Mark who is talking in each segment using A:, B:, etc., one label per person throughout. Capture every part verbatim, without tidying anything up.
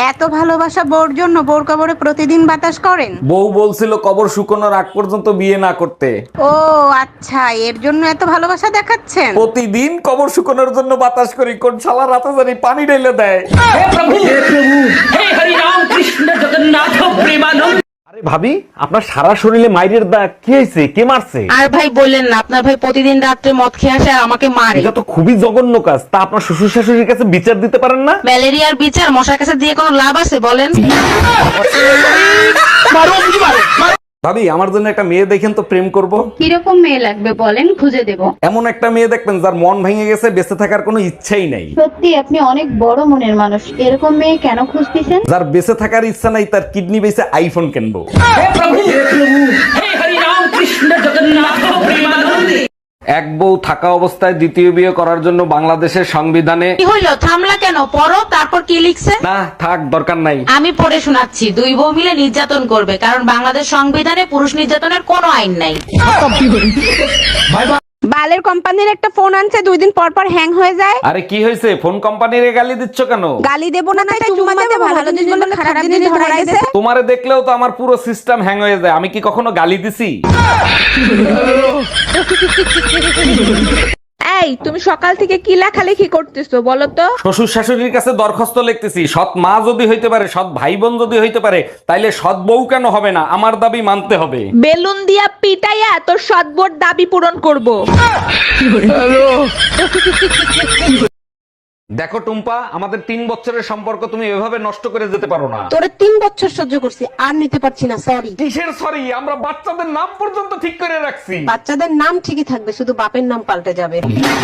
A: এত ভালোবাসা বউর জন্য বউর কবরে প্রতিদিন বাতাস করেন?
B: বউ বলছিল কবর শুকানোর আগ পর্যন্ত বিয়ে না করতে।
A: ও আচ্ছা, এর জন্য এত ভালোবাসা দেখাচ্ছেন।
B: প্রতিদিন কবর শুকানোর জন্য বাতাস করি, কোন শালা রাতে জানি পানি ঢেলে দেয়। আরে ভাবি, আপনার সারা শরীরে মাইরের দাগ, কি হয়েছে? কে মারছে?
C: আর ভাই বললেন না, আপনার ভাই প্রতিদিন রাত্রে মদ খেয়ে আসে আর আমাকে মারে।
B: এটা তো খুবই জঘন্য কাজ। তা আপনার শ্বশুর শাশুড়ির কাছে বিচার দিতে পারেন না?
C: ম্যালেরিয়ার বিচার মশার কাছে দিয়ে কোনো লাভ আছে বলেন?
B: ভাবি, আমার জন্য একটা মেয়ে দেখেন তো, প্রেম করব।
D: কিরকম মেয়ে লাগবে বলেন, খুঁজে দেব।
B: এমন একটা মেয়ে দেখবেন যার মন ভেঙে গেছে, বেঁচে থাকার কোনো ইচ্ছাই নাই।
D: সত্যি আপনি অনেক বড় মনের মানুষ। এরকম মেয়ে কেন খুঁজতেছেন?
B: যার বেঁচে থাকার ইচ্ছা নাই, তার কিডনি বেঁচে আইফোন কিনবো। এক বউ থাকা অবস্থায় দ্বিতীয় বিয়ে করার জন্য বাংলাদেশের সংবিধানে।
C: কি হইলো, থামলা কেন? পড়ো, তারপর কি লিখছে?
B: না থাক, দরকার নাই।
C: আমি পড়ে শোনাচ্ছি। দুই বউ মিলে নির্যাতন করবে, কারণ বাংলাদেশ সংবিধানে পুরুষ নির্যাতনের কোনো আইন নাই।
A: বালের কোম্পানির একটা ফোন আনছে, দুই দিন পর পর হ্যাং হয়ে যায়।
B: আরে কি হয়েছে? ফোন কোম্পানিরে গালি দিচ্ছ কেন?
A: গালি দেবো না তাই চুম্মা দেবো, ভালো জিনিস বললে খারাপ জিনিস ধরাই দিছে।
B: তোমারে দেখলেও তো আমার পুরো সিস্টেম হ্যাং হয়ে যায়। আমি কি কখনো গালি দিছি?
A: এই তুমি সকাল থেকে কি লেখালেখি করতেছো বলো তো?
B: শ্বশুর শাশুড়ির কাছে দরখাস্ত লিখতেছি, সৎ মা যদি হইতে পারে, সৎ ভাই বোন যদি হইতে পারে, তাইলে সৎ বউ কেন হবে না? আমার দাবি মানতে হবে।
A: বেলুন দিয়া পিটাইয়া তোর সদবোর দাবি পূরণ করব।
B: দেখো টুম্পা, আমাদের তিন বছরের সম্পর্ক তুমি এভাবে নষ্ট করে যেতে পারো না।
C: তোরে তিন বছর সহ্য করছি, আর নিতে পারছি না, সরি।
B: কিসের সরি? আমরা বাচ্চাদের নাম পর্যন্ত ঠিক করে রাখছি।
C: বাচ্চাদের নাম ঠিকই থাকবে, শুধু বাপের নাম পাল্টে যাবে।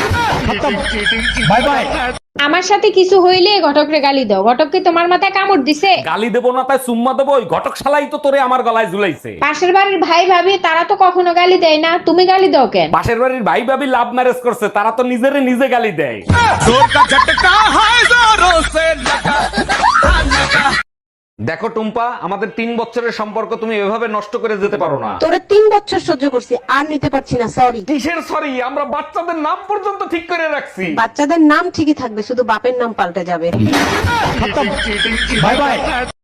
B: Bye bye.
E: আমার সাথে কিছু হইলে ঘটকরে গালি দাও। ঘটক কি তোমার মাথায় কামড় দিছে?
B: গালি দেবো না তাই চুম্মা দেবো? ওই ঘটক শালাই তো তোরে আমার গলায় ঝুলাইছে।
E: পাশের বাড়ির ভাই ভাবি তারা তো কখনো গালি দেয় না, তুমি গালি দাও কেন?
B: পাশের বাড়ির ভাই ভাবি লাভ ম্যারেজ করছে, তারা তো নিজেরে নিজে গালি দেয়। দেখো টুম্পা, আমাদের তিন বছরের সম্পর্ক তুমি এভাবে নষ্ট করে যেতে পারো না।
C: তোরে তিন বছর সহ্য করছি, আর নিতে পারছি না, সরি।
B: কিসের সরি? আমরা বাচ্চাদের নাম পর্যন্ত ঠিক করে রাখছি।
C: বাচ্চাদের নাম ঠিকই থাকবে, শুধু বাপের নাম পাল্টে যাবে।
B: Bye by.